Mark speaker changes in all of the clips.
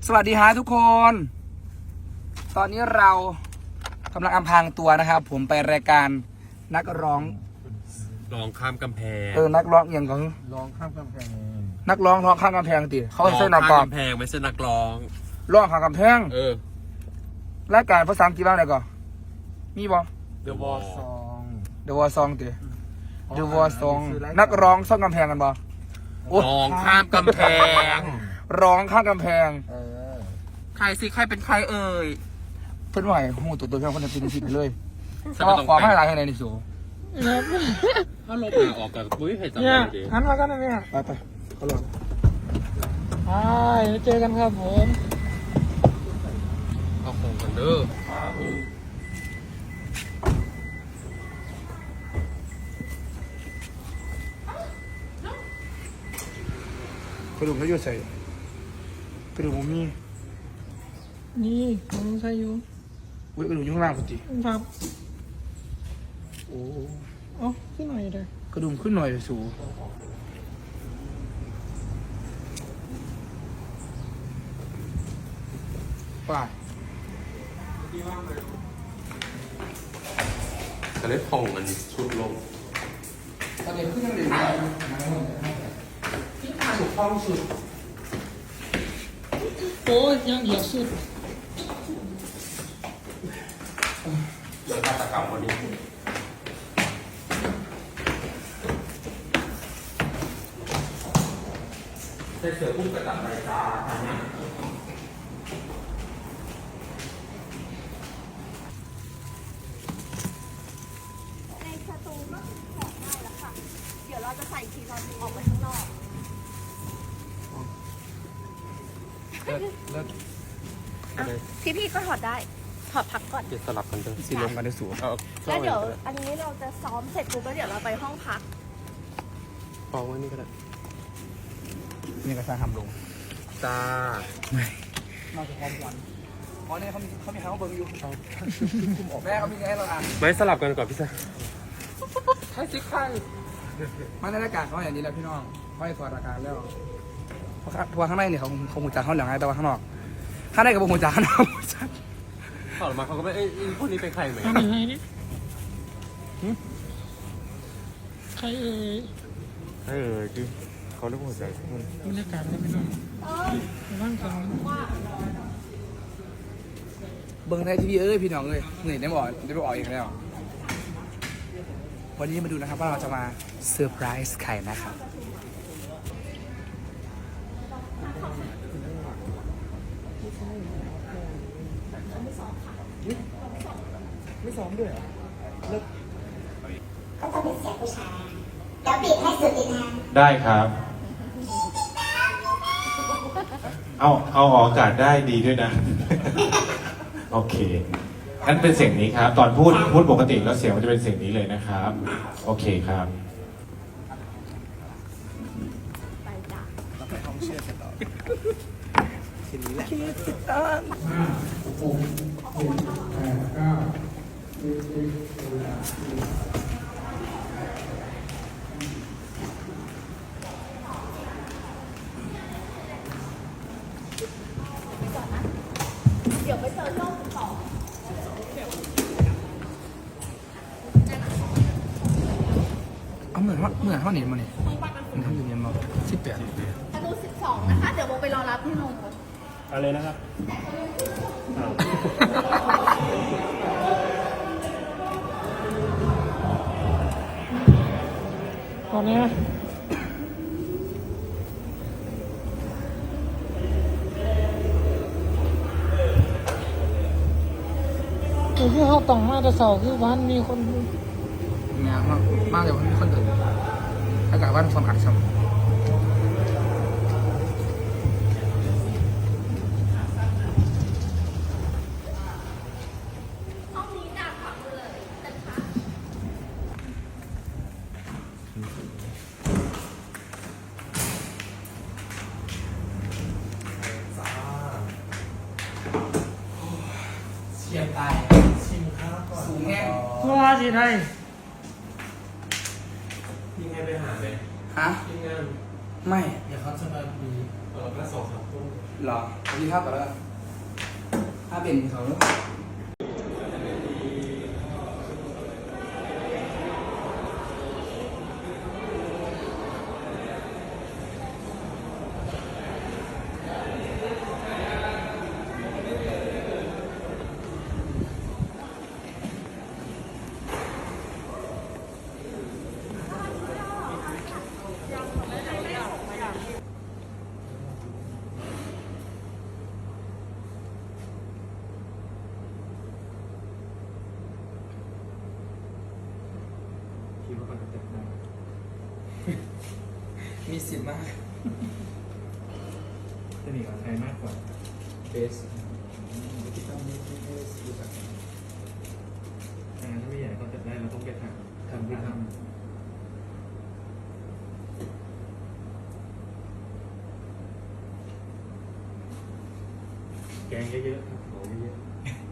Speaker 1: สวัสดีฮะทุกคน ตอนนี้เรากำลังอำพรางตัวนะครับ ผมไปรายการนักร้อง
Speaker 2: ข้ามกำแพง
Speaker 1: นักร้องอย่างของ
Speaker 3: ร้องข้ามกำแพง
Speaker 1: นักร้องร้องข้ามกำแพงติเขาให้เส้นนักร้อง
Speaker 2: กำแพงไม่ใช่นักร้อง
Speaker 1: ร้องข้ามกำแพงรายการภาษาอังกฤษบ้างไหนก่อนมีบ่
Speaker 2: The Wall Song
Speaker 1: The Wall Song ติ The Wall Song นักร้องซ่อมกำแพงกันบ่
Speaker 2: ร้องข้ามกำแพง
Speaker 1: ร้องข้ามกำแพง
Speaker 2: ใครสิใครเป็นใครเอ่ย
Speaker 1: เพื่อนไหวหูตัวเพื่อนคนจะเป็นผิดไปเลยก็ขอให้อะไรให้ในนิสู
Speaker 2: ถ้าลบหนาออกกับปุ้ยให้จำได้ดี
Speaker 3: หันมากันนะเนี่ย
Speaker 1: ไปเขาลอง
Speaker 3: เจอกันครับผม
Speaker 2: เอาคงกันเด้อ
Speaker 1: ไปดูเขาอยู่ใส่ไปดูมุมนี้
Speaker 3: นี่ผมใส่อยู่
Speaker 1: ไปดูยุ่งล่างพอดี
Speaker 3: ครับ
Speaker 1: โอ้
Speaker 3: ขึ้นหน่อยเลย
Speaker 1: กระดุมขึ้นหน่อยสูป่า
Speaker 2: จะเล่นพงมันชุดลง
Speaker 1: ตอนนี้ขึ้นยังเด็กสุดท้องสุด
Speaker 3: โอ้ยยังเหยียบสุด
Speaker 2: เรื่องฆาตกรรมวันนี้ได้เสือพุ่งกระตับใบตาอันนี้
Speaker 4: ในสตูก็ถอดได้แล้วค่ะเดี๋ยวเราจะใส่ทีเราออกไปข้างนอกพี่ก็ถอดได้ถอดพักก่อน
Speaker 2: จะสลับกันเถอะ
Speaker 1: สีลงกันได้สูง
Speaker 4: แล้วเดี๋ยวอันนี้เราจะซ้อมเสร็จปุ๊บแล้วเดี๋ยวเราไปห้องพัก
Speaker 2: ฟองไว้นี่ก็ได้
Speaker 1: นี่ก็สร้างทำลง
Speaker 2: จ้า
Speaker 1: ไม่นอกจากความหวานเนี่ยเขามีใครเขาเบิ่งอยู่คุมออกแม่เขามีให้เราอ่าน
Speaker 2: ไม่สลับกันก่อนพี่ซ่า
Speaker 1: ใช่สิใครมาในรายการเขาอย่างนี้แล้วพี่น้องเขาให้ถอดรายการแล้วเพราะข้างในเนี่ยเขาหูจักเขาหลังไงแต่ว่าข้างนอกข้างในกับหูจักข้างนอก
Speaker 2: ถอดมาเขาก็ไม่พวกนี้เป็นใครไหม
Speaker 3: ใครนี่ใคร
Speaker 2: คือเขาเรียกว่าหัวใจ
Speaker 3: บรรยากาศไม่เป็นไรร่างกาย
Speaker 1: เบิ้งไทยทีวีพี่น้องเหนื่อยได้บอกได้ไปออกอีกแล้ววันนี้มาดูนะครับว่าเราจะมาเซอร์ไพรส์ใครนะครับไม่ซ้อมด้วยเลิก
Speaker 5: ก็จะเป็นเสียงผู้ชายแล้วปิดให้สุดอีกนะ
Speaker 6: ได้ครับเอาออกอากาศได้ดีด้วยนะ โอเคงั้นเป็นเสียงนี้ครับ ตอนพูดปกติแล้วเสียงมันจะเป็นเสียงนี้เลยนะครับ โอเคครับ
Speaker 4: ไปจ้ะ
Speaker 1: เราไปห้องเชื่อกันต่อทีนี้แหละติดตาม
Speaker 4: เดี๋ยวไปเจอโลกต่อ
Speaker 1: เอาเหมือนเท่านี้มาเนี่ยมันทำอยู่เนี่ยมา18
Speaker 4: ประตู12นะคะเดี๋ยวโมไปรอรับที่โรง
Speaker 2: อะไรนะครับ
Speaker 3: ตอนนี้คือเขาต้องมาแต่เสาร์คือวันมีคน
Speaker 1: งานมากเลยวันนี้คนอื่นอากาศวันสมัครสมเฉียบตายสูงแห้ง
Speaker 3: ว่าสิไทย
Speaker 2: มีใครไปหาไหม
Speaker 1: ฮะ
Speaker 2: ทีมงาน
Speaker 1: ไม่
Speaker 3: เดี๋ยวเขาจะมาดี
Speaker 2: แค่2-3 ทุ่ม
Speaker 1: หรอกินข้าวกันแล้วถ้าเป็นเขา
Speaker 2: คิดว่าเขาจะจับได้
Speaker 1: มีสิทธิ์มาก
Speaker 2: จะหนีกับใครมากกว่า
Speaker 1: เบสที่ต้องไม่รู้จัก
Speaker 2: ถ้าไม่อยากให้เขาจับได้เราต้องไปทำที่ทำแกงเยอะๆครับโหเยอะ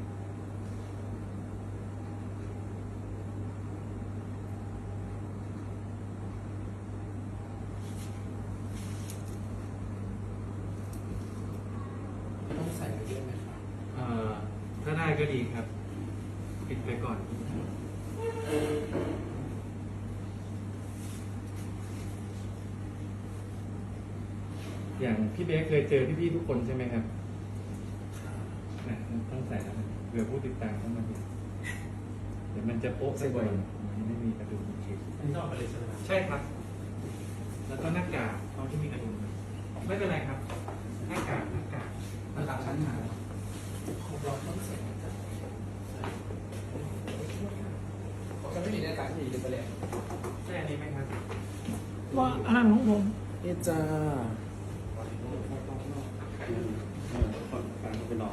Speaker 2: ๆ
Speaker 1: ต้องใส่เยอะไหมครับ
Speaker 2: ถ้าได้ก็ดีครับ ปิดไปก่อน อย่างพี่เบสเคยเจอพี่ๆทุกคนใช่ไหมครับนะต้องใส่แล้วนะเผื่อผู้ติดตามเข้ามาดูเดี๋ยวมันจะโป๊ะซะบ่อยมันไม่มีกระดุมเข็ม
Speaker 7: อันนี้ต้องออกไปเลยใช่ไหมครับ
Speaker 2: ใช่ครับ แล้วก็หน้ากากเขาที่มีกระดุมไม่เป็นไรครับ หน้ากาก
Speaker 1: มันหลักชั้นหาผมจะไม่มีในการที่จะไปเลย
Speaker 2: ใช่อันนี้ไหมครับ
Speaker 3: ว่าอาหารของผม
Speaker 7: นี่จ้า
Speaker 2: ไปลอง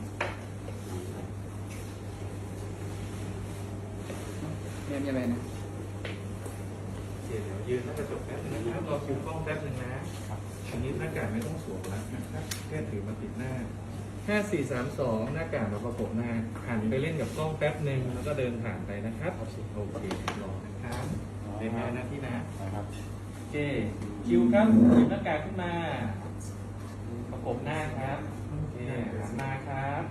Speaker 1: เนี่ยมีอะไรนะ
Speaker 2: เดี๋ยวยืนหน้ากระจกแป๊บนึงนะครับรอคิวกล้องแป๊บนึงนะอันนี้หน้ากากไม่ต้องสวมแล้วนะครับแค่ถือมาปิดหน้า 5 4 3 2 หน้ากากมาประกบหน้าหันไปเล่นกับกล้องแป๊บหนึ่งแล้วก็เดินผ่านไปนะครับโอเครอนะครับเดินมาหน้าที่นะโอเคคิวครับหยิบหน้ากากขึ้นมาประกบหน้าครับโอเคหันมาครับ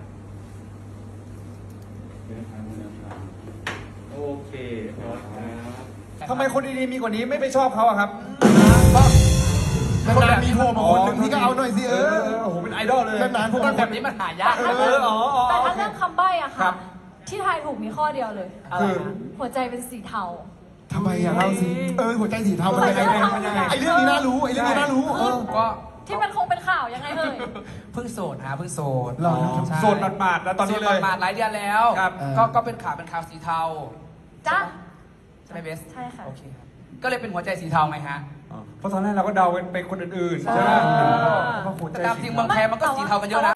Speaker 2: เดินผ่านโอเคพอครับ
Speaker 8: ทำไมคนดีๆมีกว่านี้ไม่ไปชอบเขาอะครับนานๆมีโผล่มาคนหนึ่งพี่ก็เอาหน่อยสิโอ้โหเป็นไอดอลเลยนานๆพวก
Speaker 1: แบบนี้มันหายาก
Speaker 9: แต่ถ้าเรื่องคำใบ้อะ
Speaker 8: ครั
Speaker 9: ค่ะ
Speaker 8: บ
Speaker 9: ที่ทายถูกมีข้อเดียวเลย
Speaker 8: คือ
Speaker 9: หัวใจเป็นสีเทา
Speaker 8: ทำไมอะเราสิหัวใจสีเทามันยังไงไอเรื่องนี้น่ารู้ไอเรื่องนี้น่ารู้
Speaker 1: ก็
Speaker 9: ที่มันคงเป็นข่าวยังไงเอ่ย
Speaker 1: เพิ่งโสดฮะเพิ่งโสด
Speaker 8: หรอโสดหมาดๆแล้วตอนนี้เลย
Speaker 1: โสดหมาดๆหลายเดือนแล้ว
Speaker 8: ครับ
Speaker 1: ก็เป็นข่าวสีเทา
Speaker 9: จ้ะ
Speaker 1: ใช่ไหมเบส
Speaker 9: ใช่ค่ะ
Speaker 1: โอเคครับก็เลยเป็นหัวใจสีเทาไหมฮะ
Speaker 8: เพราะตอนแรกเราก็เดาเป็นคนอื่นๆใช่ไหม
Speaker 1: แต่ตามจริงเมืองไทยมันก็สีเทากันเยอะนะ